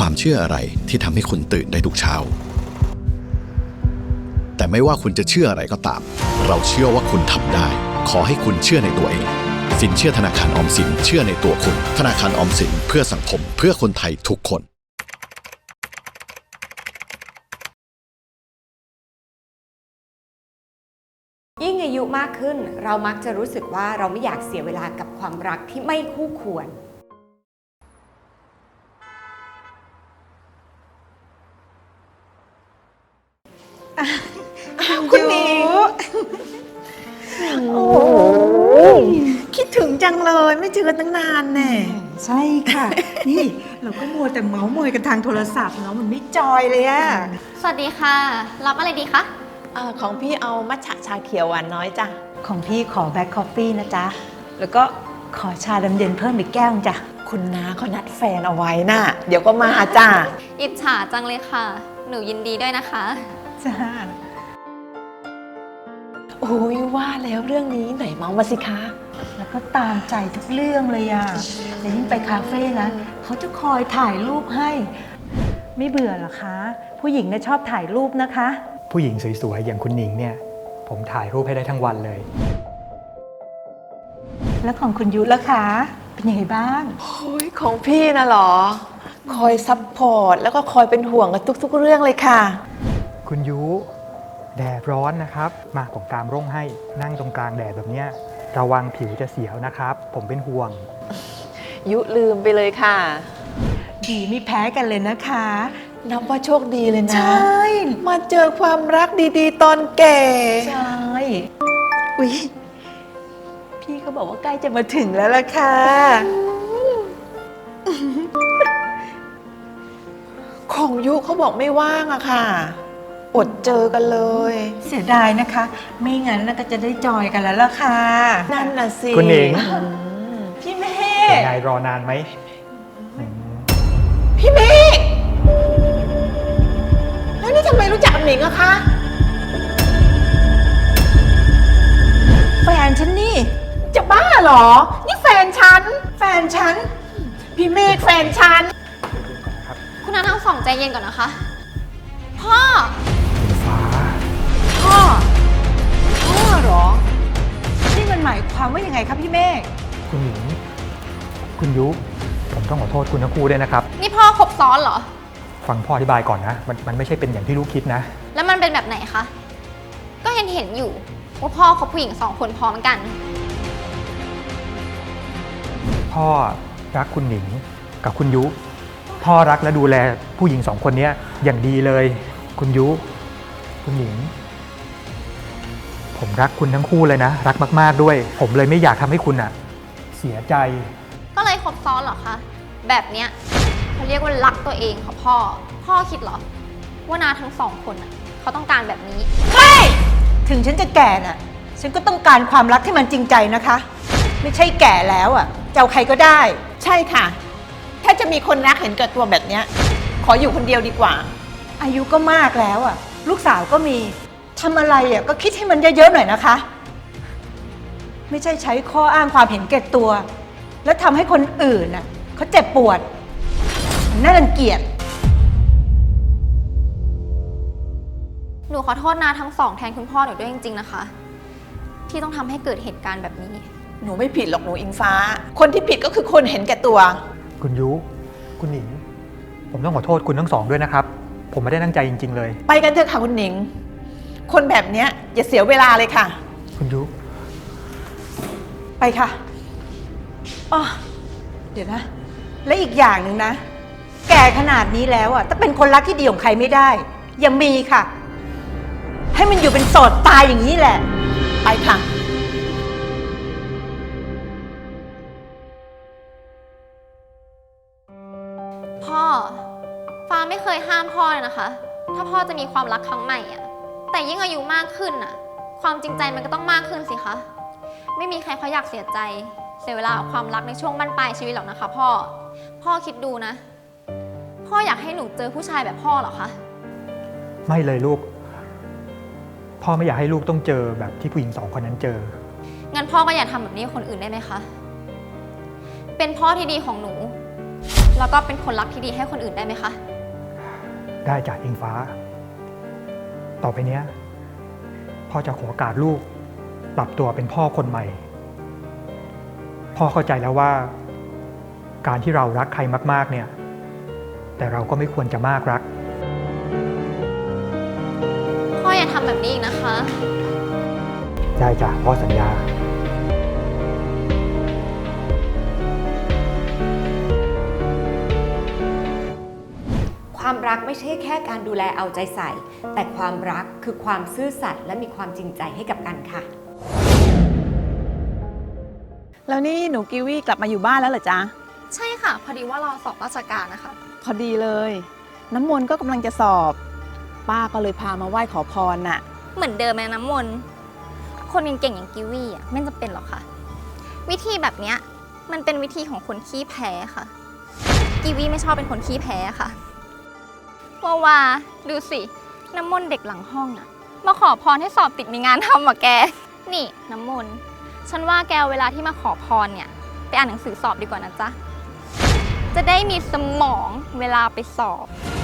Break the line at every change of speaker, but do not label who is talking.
ความเชื่ออะไรที่ทำให้คุณตื่นได้ทุกเช้าแต่ไม่ว่าคุณจะเชื่ออะไรก็ตามเราเชื่อว่าคุณทำได้ขอให้คุณเชื่อในตัวเองสินเชื่อธนาคารออมสินเชื่อในตัวคุณธนาคารออมสินเพื่อสังคมเพื่อคนไทยทุกคน
ยิ่งอายุมากขึ้นเรามักจะรู้สึกว่าเราไม่อยากเสียเวลากับความรักที่ไม่คู่ควร
คุณหนิงโอ้คิดถึงจังเลยไม่เจอกันตั้งนานแน่
ใช่ค่ะ นี่เราก็มัวแต่เมาส์มอยกันทางโทรศัพท์เนาะมันไม่จอยเลยอะ
สวัสดีค่ะ รับอะไรดีคะ
ของพี่เอามัทฉะชาเขียวหวานน้อยจ้ะ
ของพี่ขอแบล็คคอฟฟี่นะจ๊ะแล้วก็ขอชาดำเย็นเพิ่มอีกแก้วจ้ะ
คุณน้าเขานัดแฟนเอาไว้น่ะเดี๋ยวก็มาจ้ะ
อิจฉาจังเลยค่ะ หนูยินดีด้วยนะคะ
จ้า
โอ้ยว่าแล้วเรื่องนี้ไหนเมามาสิคะ
แล้วก็ตามใจทุกเรื่องเลยอะแล้วยิ่งไปคาเฟ่นะเขาจะคอยถ่ายรูปให้ ไม่เบื่อเหรอคะ ผู้หญิงเนี่ยชอบถ่ายรูปนะคะ
ผู้หญิงสวยๆอย่างคุณหนิงเนี่ยผมถ่ายรูปให้ได้ทั้งวันเลย
แล้วของคุณยุล่ะคะ เป็นยังไงบ้าง
โอ้ยของพี่นะเหรอ คอยซัพพอร์ตแล้วก็คอยเป็นห่วงกับทุกๆเรื่องเลยค่ะ
คุณยุแดดร้อนนะครับมาผมกางร่มให้นั่งตรงกลางแดดแบบเนี้ยระวังผิวจะเสียวนะครับ ผมเป็นห่วง
ยุลืมไปเลยค่ะ
ดีไม่แพ้กันเลยนะคะ
นับว่าโชคดีเลยนะ
ใช่
มาเจอความรักดีๆ ตอนแก่
ใช่อุ๊ยพี่เขาบอกว่าใกล้จะมาถึงแล้วล่ะค่ะ
ของยุเขาบอกไม่ว่างอะค่ะ อดเจอกันเลย
เสียดายนะคะ ไม่งั้นน่าจะได้จอยกันแล้วล่ะค่ะ
นั่นน่ะสิ
คุณหนิง
พี่เม
เป็น
ฆ
ไงรอนานไหม
พี่เมฆแล้วนี่ทำไมรู้จักกับหนิงอะคะ
แฟนฉันนี่
จะบ้าเหรอ นี่แฟนฉัน
แฟนฉัน
พี่เมฆแฟนฉัน
คุณน้าทั้งสองใจเย็นก่อนนะคะ พ่อ
ฟ้า
พ่อ พ่อเหรอ นี่มันหมายความว่ายังไงครับพี่เมฆ
คุณหนิงคุณยุผมต้องขอโทษคุณทั้งคู่ด้วยนะครับ
นี่พ่อครบซ้อนเหรอ
ฟังพ่ออธิบายก่อนนะมันไม่ใช่เป็นอย่างที่ลูกคิดนะ
แล้วมันเป็นแบบไหนคะ ก็เห็นอยู่ว่าพ่อคบผู้หญิงสองคนพร้อมกัน
พ่อรักคุณหนิงกับคุณยุ พ่อรักและดูแลผู้หญิงสองคนนี้อย่างดีเลย คุณยุ คุณหนิง ผมรักคุณทั้งคู่เลยนะ รักมากๆด้วย ผมเลยไม่อยากทำให้คุณเสียใจ
ก็เลยครบซ้อนเหรอคะ แบบเนี้ยเขาเรียกว่ารักตัวเองค่ะพ่อ พ่อคิดเหรอ ว่านาทั้งสองคนน่ะเขาต้องการแบบนี้
ถึงฉันจะแก่น่ะ ฉันก็ต้องการความรักที่มันจริงใจนะคะ ไม่ใช่แก่แล้วอ่ะจะเอาใครก็ได้
ใช่ค่ะ ถ้าจะมีคนรักเห็นแก่ตัวแบบเนี้ย ขออยู่คนเดียวดีกว่า
อายุก็มากแล้วอ่ะ ลูกสาวก็มีทำอะไรอ่ะก็คิดให้มันเยอะๆหน่อยนะคะ ไม่ใช่ใช้ข้ออ้างความเห็นแก่ตัว แล้วทำให้คนอื่นน่ะเขาเจ็บปวดมันน่ารังเกียจ
หนูขอโทษนาทั้งสองแทนคุณพ่อหนูด้วยจริงๆนะคะ ที่ต้องทำให้เกิดเหตุการณ์แบบนี้
หนูไม่ผิดหรอกหนูอิงฟ้า คนที่ผิดก็คือคนเห็นแก่ตัว
คุณยุ คุณหนิง ผมต้องขอโทษคุณทั้งสองด้วยนะครับ ผมไม่ได้ตั้งใจจริงๆเลย
ไปกันเถอะค่ะคุณหนิง คนแบบเนี้ยอย่าเสียเวลาเลยค่ะ
คุณยุ
ไปค่ะอ๋อเดี๋ยวนะ และอีกอย่างหนึ่งนะ แก่ขนาดนี้แล้วอ่ะถ้าเป็นคนรักที่ดีของใครไม่ได้ ยังมีค่ะ ให้มันอยู่เป็นโสดตายอย่างนี้แหละ
ไปค่ะ
พ่อ ฟ้าไม่เคยห้ามพ่อเลยนะคะ ถ้าพ่อจะมีความรักครั้งใหม่อะแต่ยิ่งอายุมากขึ้นอะความจริงใจมันก็ต้องมากขึ้นสิคะ ไม่มีใครเขาอยากเสียใจ เสียเวลากับความรักในช่วงบั้นปลายชีวิตหรอกนะคะพ่อ พ่อคิดดูนะ พ่ออยากให้หนูเจอผู้ชายแบบพ่อเหรอคะ
ไม่เลยลูก พ่อไม่อยากให้ลูกต้องเจอแบบที่ผู้หญิงสองคนนั้นเจอ
งั้นพ่อก็อย่าทำแบบนี้กับคนอื่นได้ไหมคะ เป็นพ่อที่ดีของหนูแล้วก็เป็นคนรักที่ดีให้คนอื่นได้ไหมคะ
ได้จากอิงฟ้า ต่อไปเนี้ยพ่อจะขอโอกาสลูกปรับตัวเป็นพ่อคนใหม่ พ่อเข้าใจแล้วว่า การที่เรารักใครมากๆเนี่ย แต่เราก็ไม่ควรจะมากรัก
พ่ออย่าทำแบบนี้อีกนะคะ
ได้จ้ะพ่อสัญญา
ความรักไม่ใช่แค่การดูแลเอาใจใส่ แต่ความรักคือความซื่อสัตย์และมีความจริงใจให้กับกันค่ะ
แล้วนี่หนูกิวี่กลับมาอยู่บ้านแล้วเหรอจ๊ะ
ใช่ค่ะ พอดีว่าเราสอบราชการนะคะ
พอดีเลย น้ำมนต์ก็กำลังจะสอบ ป้าก็เลยพามาไหว้ขอพรน่ะ
เหมือนเดิมเลยน้ำมนต์คนเก่งๆอย่างกิวี่อ่ะไม่จำเป็นหรอกค่ะ วิธีแบบเนี้ยมันเป็นวิธีของคนขี้แพ้ค่ะ กิวี่ไม่ชอบเป็นคนขี้แพ้ค่ะว่าดูสิน้ำมนต์เด็กหลังห้องอ่ะมาขอพรให้สอบติดมีงานทำอ่ะแก นี่น้ำมนต์ฉันว่าแกเวลาที่มาขอพรเนี่ยไปอ่านหนังสือสอบดีกว่านะจ๊ะจะได้มีสมองเวลาไปสอบ